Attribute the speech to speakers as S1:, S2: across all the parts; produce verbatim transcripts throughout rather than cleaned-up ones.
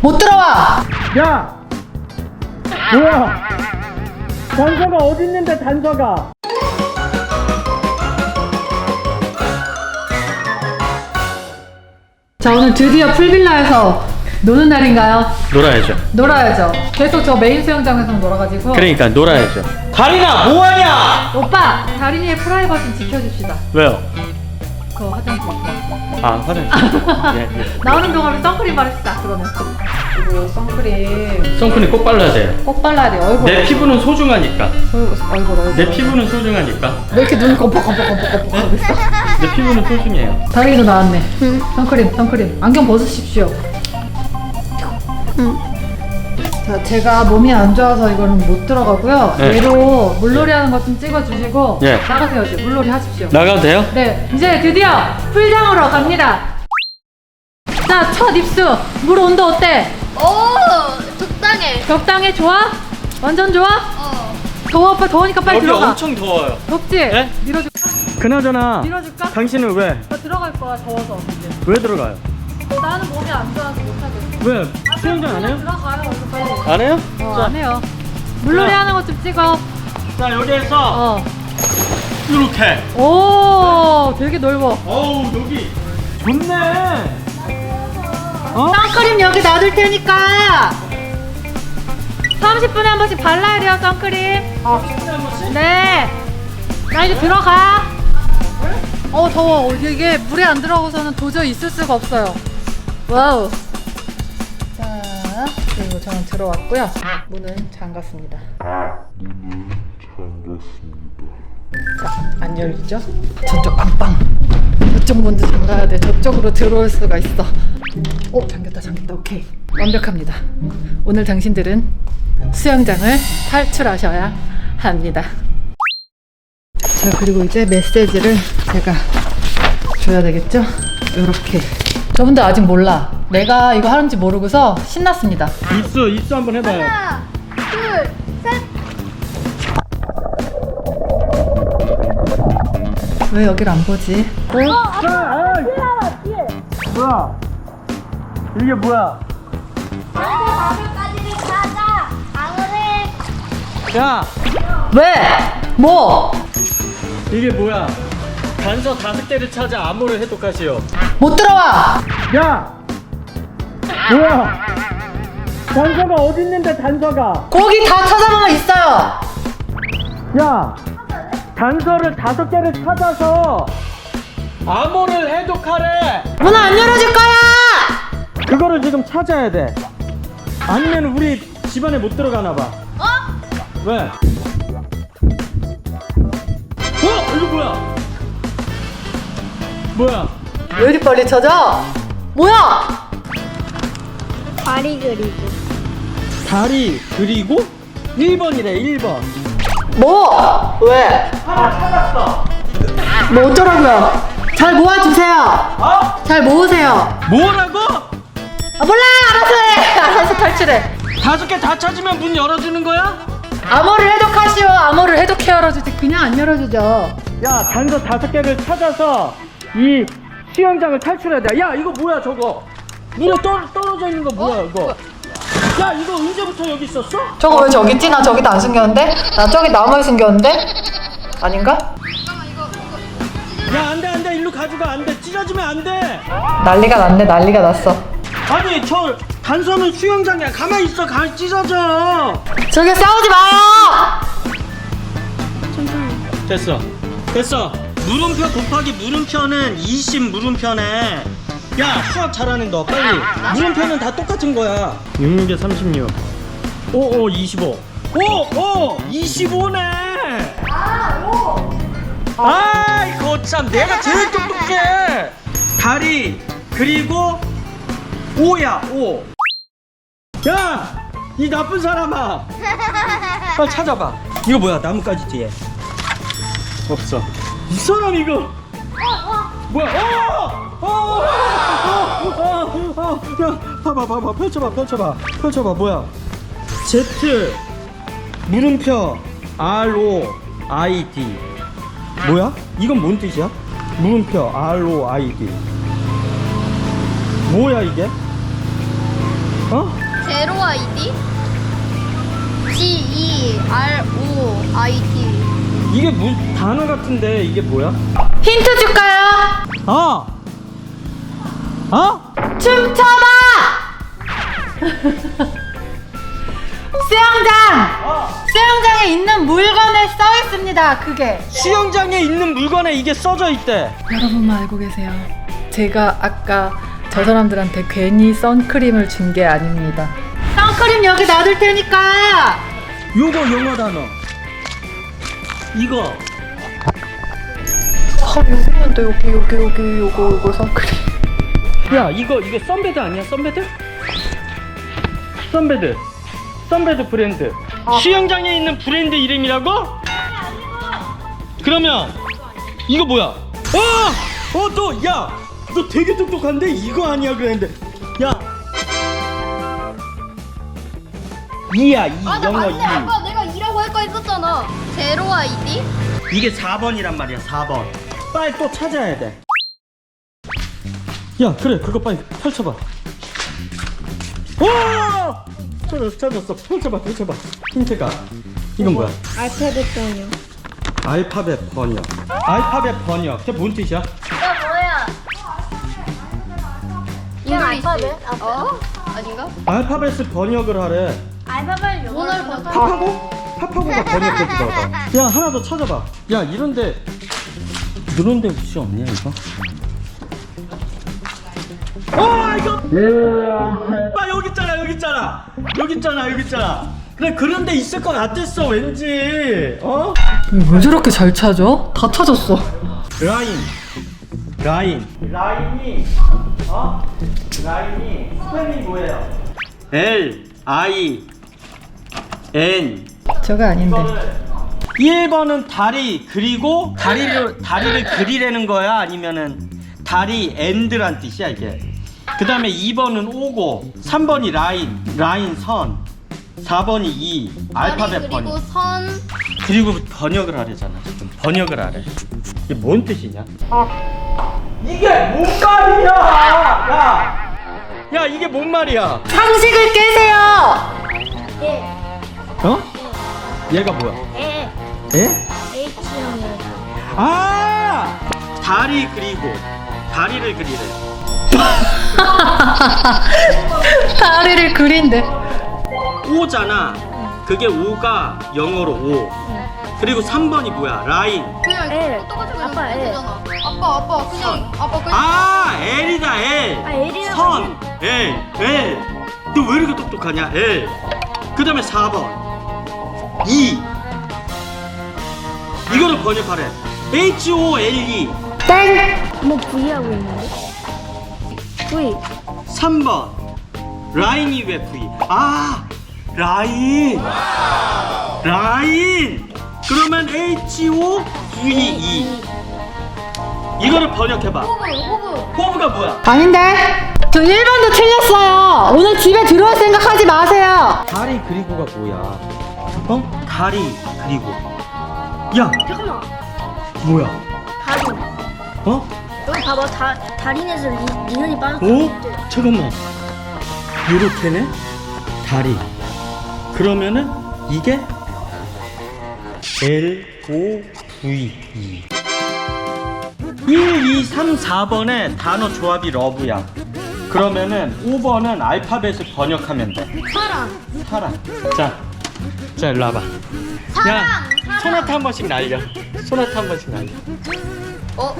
S1: 못 들어와.
S2: 야! 뭐야? 단서가 어디 있는데 단서가?
S1: 자, 오늘 드디어 풀빌라에서 노는 날인가요?
S2: 놀아야죠.
S1: 놀아야죠. 계속 저 메인 수영장에서 놀아가지고.
S2: 그러니까 놀아야죠. 다리나 뭐하냐?
S1: 오빠, 다린이의 프라이버시 지켜줍시다.
S2: 왜요?
S1: 그 화장실.
S2: 아 화장실. 예, 예.
S1: 나오는 동안에 선크림 바르시다. 그러면. 그리고 선크림
S2: 선크림 꼭 발라야 돼요.
S1: 꼭 발라야 돼. 얼굴.
S2: 내 피부는 소중하니까.
S1: 얼굴, 얼굴, 얼굴.
S2: 내 피부는 소중하니까.
S1: 왜 이렇게 눈 껌뻑껌뻑껌뻑껌뻑 하고 있어?
S2: 내 피부는 소중해요.
S1: 다린이도 나왔네. 응. 선크림, 선크림. 안경 벗으십시오.
S3: 응.
S1: 자, 제가 몸이 안 좋아서 이거는 못 들어가고요.
S2: 네.
S1: 얘로 물놀이 하는 것 좀 찍어주시고
S2: 네.
S1: 나가세요. 이제 물놀이 하십시오.
S2: 나가도 돼요?
S1: 네, 이제 드디어 풀장으로 갑니다. 자, 첫 입수. 물 온도 어때?
S3: 오, 적당해.
S1: 적당해? 좋아? 완전 좋아?
S3: 어.
S1: 더워, 오빠 더우니까 빨리
S2: 여기
S1: 들어가.
S2: 엄청 더워요.
S1: 덥지?
S2: 네?
S1: 밀어줄까?
S2: 그나저나
S1: 밀어줄까?
S2: 당신은 왜?
S1: 나 들어갈 거야, 더워서 이제.
S2: 왜 들어가요?
S1: 나는 몸이 안 좋아서 못하겠어.
S2: 왜? 수영장 안 해요?
S1: 들어가요, 얼른 빨리.
S2: 안 해요?
S1: 어,
S2: 자,
S1: 안 해요. 물놀이
S2: 자.
S1: 하는 것 좀 찍어.
S2: 자 여기에서
S1: 어.
S2: 이렇게.
S1: 오, 되게 넓어.
S2: 어우 여기 좋네. 어?
S1: 선크림 여기 놔둘 테니까 삼십 분에 한 번씩 발라야 돼요, 선크림. 어. 네. 나 이제 들어가. 어, 더워. 이게 물에 안 들어가서는 도저히 있을 수가 없어요. 와우. 자, 그리고 저는 들어왔고요. 문은 잠갔습니다. 자, 안 열리죠? 저쪽 안방. 저쪽 문도 잠가야 돼. 저쪽으로 들어올 수가 있어. 오, 잠겼다, 잠겼다. 오케이. 완벽합니다. 오늘 당신들은 수영장을 탈출하셔야 합니다. 자, 그리고 이제 메시지를 제가 줘야 되겠죠? 요렇게. 저분들 아직 몰라. 내가 이거 하는지 모르고서 신났습니다.
S2: 입수 입수 한번 해봐요.
S3: 하나, 둘, 셋.
S1: 왜 여길 안 보지?
S3: 어, 아빠, 뒤에 하나, 뒤에.
S2: 뭐야? 이게 뭐야?
S3: 방울까지를 찾아. 방울을.
S2: 야
S1: 왜? 뭐?
S2: 이게 뭐야? 단서 다섯 개를 찾아 암호를 해독하시오.
S1: 못 들어와!
S2: 야 뭐야? 단서가 어디 있는데 단서가?
S1: 거기 다 찾아보면 있어요!
S2: 야 단서를 다섯 개를 찾아서 암호를 해독하래.
S1: 문 안 열어줄 거야!
S2: 그거를 지금 찾아야 돼. 아니면 우리 집안에 못 들어가나 봐.
S3: 어?
S2: 왜? 어? 이거 뭐야? 뭐야?
S1: 왜 이리 빨리 찾아? 뭐야?
S3: 다리 그리고.
S2: 다리 그리고 일 번이래 일 번.
S1: 뭐? 왜?
S2: 하나 찾았어.
S1: 뭐 어쩌라고요? 잘 모아주세요.
S2: 어?
S1: 잘 모으세요.
S2: 뭐라고?
S1: 아, 몰라! 알아서 해! 알아서 탈출해.
S2: 다섯 개 다 찾으면 문 열어주는 거야?
S1: 암호를 해독하시오. 암호를 해독해 열어주지. 그냥 안 열어주죠.
S2: 야 단서 다섯 개를 찾아서 이 수영장을 탈출해야 돼. 야 이거 뭐야 저거? 물에 떨, 떨어져 있는 거 뭐야 이거? 야 이거 언제부터 여기 있었어?
S1: 저거 왜 저기 있지? 나 저기도 안 숨겼는데? 나 저기 나무에 숨겼는데? 아닌가?
S2: 야 안돼 안돼 일로 가져가 안돼 찢어지면 안돼.
S1: 난리가 났네. 난리가 났어.
S2: 아니 저 단서는 수영장이야. 가만히 있어. 가 찢어져.
S1: 저기 싸우지 마요!
S2: 됐어 됐어. 물음표 곱하기 물음표는 이십 물음표네. 야 수학 잘하는 너 빨리. 물음표는 다 똑같은 거야. 육육에 삼십육. 오오 이십오. 오오 이십오네. 아 이거 참 내가 제일 똑똑해. 다리 그리고 오야 오. 야 이 나쁜 사람아. 빨리 찾아봐. 이거 뭐야 나뭇가지 뒤에. 없어. 이 사람 이거. 뭐야? 어! 어! 어! 어! 어! 야, 봐봐, 봐봐, 펼쳐봐, 펼쳐봐, 펼쳐봐, 뭐야? Z 물음표 R O I D. 뭐야? 이건 뭔 뜻이야? 물음표 R O I D. 뭐야 이게? 어?
S3: 제로 아이디 G E R O I D.
S2: 이게 무 단어 같은데 이게 뭐야?
S1: 힌트 줄까요?
S2: 어! 어?
S1: 춤춰봐! 수영장!
S2: 어!
S1: 수영장에 있는 물건에 써 있습니다. 그게.
S2: 수영장에 있는 물건에 이게 써져 있대.
S1: 여러분만 알고 계세요. 제가 아까 저 사람들한테 괜히 선크림을 준 게 아닙니다. 선크림 여기 놔둘 테니까.
S2: 요거 영어 단어. 이거.
S1: 아, 여기 있는데 여기 여기 여기 요거 요거 선크림.
S2: 야, 이거 이거 선베드 아니야? 선베드? 선베드. 선베드 브랜드. 수영장에 있는 브랜드 이름이라고? 그러면 이거 뭐야? 어! 어, 너 야, 너 되게 똑똑한데 이거 아니야 그랬는데. 야. 이야, 이
S3: 아, 나
S2: 영어
S3: 맞네.
S2: 이.
S3: 아까 내가 이라고 할 거 있었잖아. 제로 아이디?
S2: 이게 사 번이란 말이야. 사 번. 빨리 또 찾아야 돼. 야, 그래. 그거 빨리 펼쳐봐. 오! 찾았어, 찾았어. 펼쳐봐, 펼쳐봐. 힌트가. 이건 뭐야?
S3: 알파벳 번역.
S2: 알파벳 번역. 알파벳 번역. 그게 뭔 뜻이야?
S3: 이거 뭐야? 이건 알파벳? 어? 아닌가?
S2: 알파벳을 번역을 하래.
S3: 알파벳 오늘 번
S2: 팝하고? 팝하고가 번역해주더라고. 야, 하나 더 찾아봐. 야, 이런데 이런데 혹시 없냐 이거? 아, 이거! 아, 여기 있잖아, 여기 있잖아. 여기 있잖아, 여기 있잖아. 그래, 그런 데 있을 것 같았어, 왠지. 어?
S1: 왜 저렇게 잘 찾아? 다 찾았어.
S2: 라인. 라인. 라인이, 어? 라인이 스펠이 뭐예요? L, I, N.
S1: 저거 아닌데.
S2: 일 번은 다리 그리고 다리를 다리를 그리라는 거야 아니면은 다리 엔드란 뜻이야 이게. 그 다음에 이 번은 오고 삼 번이 라인 라인 선 사 번이 이 알파벳
S3: 그리고
S2: 번역.
S3: 선.
S2: 그리고 번역을 하래잖아 지금. 번역을 하래. 이게 뭔 뜻이냐? 이게 뭔 말이야? 야, 야 이게 뭔 말이야?
S1: 상식을 깨세요.
S3: 예.
S2: 어? 얘가 뭐야?
S3: 에.
S2: 에?
S3: H형이야.
S2: 아! 다리 그리고 다리를 그리래.
S1: 다리를 그린대.
S2: 오잖아. 그게 오가 영어로 오. 그리고 삼 번이 뭐야? 라인.
S3: 그냥
S4: L.
S3: 똑같은 거
S4: 아빠, L.
S3: 되잖아. 아빠 아빠 그냥 아빠 그냥.
S2: 아, L이다 L.
S4: 아, L이라고
S2: 선. L. L. 너 왜 이렇게 똑똑하냐? L. 그 다음에 사 번. 이. 이거를 번역하래. H O L E.
S1: 땡.
S4: 뭐 V 하고 있는데? V.
S2: 삼 번. 라인이 왜 V? 아, 라인. 라인. 그러면 H O V E. 이거를 번역해봐.
S3: 호브 호브.
S2: 호브가 뭐야?
S1: 아닌데. 저 일 번도 틀렸어요. 오늘 집에 들어올 생각하지 마세요.
S2: 다리 그리고가 뭐야? 어? 다리 그리고. 야,
S4: 잠깐만.
S2: 뭐야?
S4: 다리.
S2: 어?
S4: 여기 봐봐. 다, 다리에서 리, 리눈이 빠졌어.
S2: 어? 잠깐만. 요렇게네? 다리. 그러면은 이게 L O V E. 일, 이, 삼, 사 번에 단어 조합이 러브야. 그러면은 오 번은 알파벳을 번역하면 돼.
S3: 사랑.
S2: 사랑. 자, 자 일로 와봐.
S3: 사랑.
S2: 야,
S3: 사랑.
S2: 소나타 한 번씩 날려. 소나타 한 번씩 날려.
S3: 어?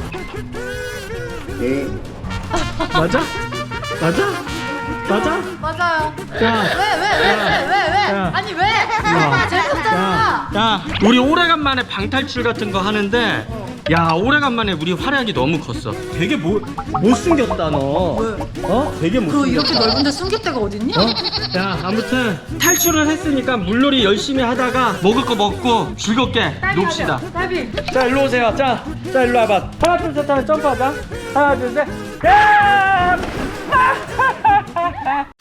S2: 맞아? 맞아? 맞아?
S3: 맞아요.
S2: 자,
S3: 왜 왜 왜 왜 왜 왜?
S2: 야.
S3: 아니 왜?
S2: 야.
S3: 재밌었잖아.
S2: 야, 우리 오래간만에 방탈출 같은 거 하는데, 야, 오래간만에 우리 활약이 너무 컸어. 되게 못, 못생겼다, 너.
S1: 왜?
S2: 어? 되게
S1: 그
S2: 못생겼다.
S1: 이렇게 넓은데 숨길 데가 어딨냐?
S2: 어? 야, 아무튼 탈출을 했으니까 물놀이 열심히 하다가 먹을 거 먹고 즐겁게 놉시다.
S1: 나비.
S2: 자, 일로 오세요. 자, 자, 일로 와봐. 하나, 둘, 셋 하면 점프하자. 하나, 둘, 셋. 야!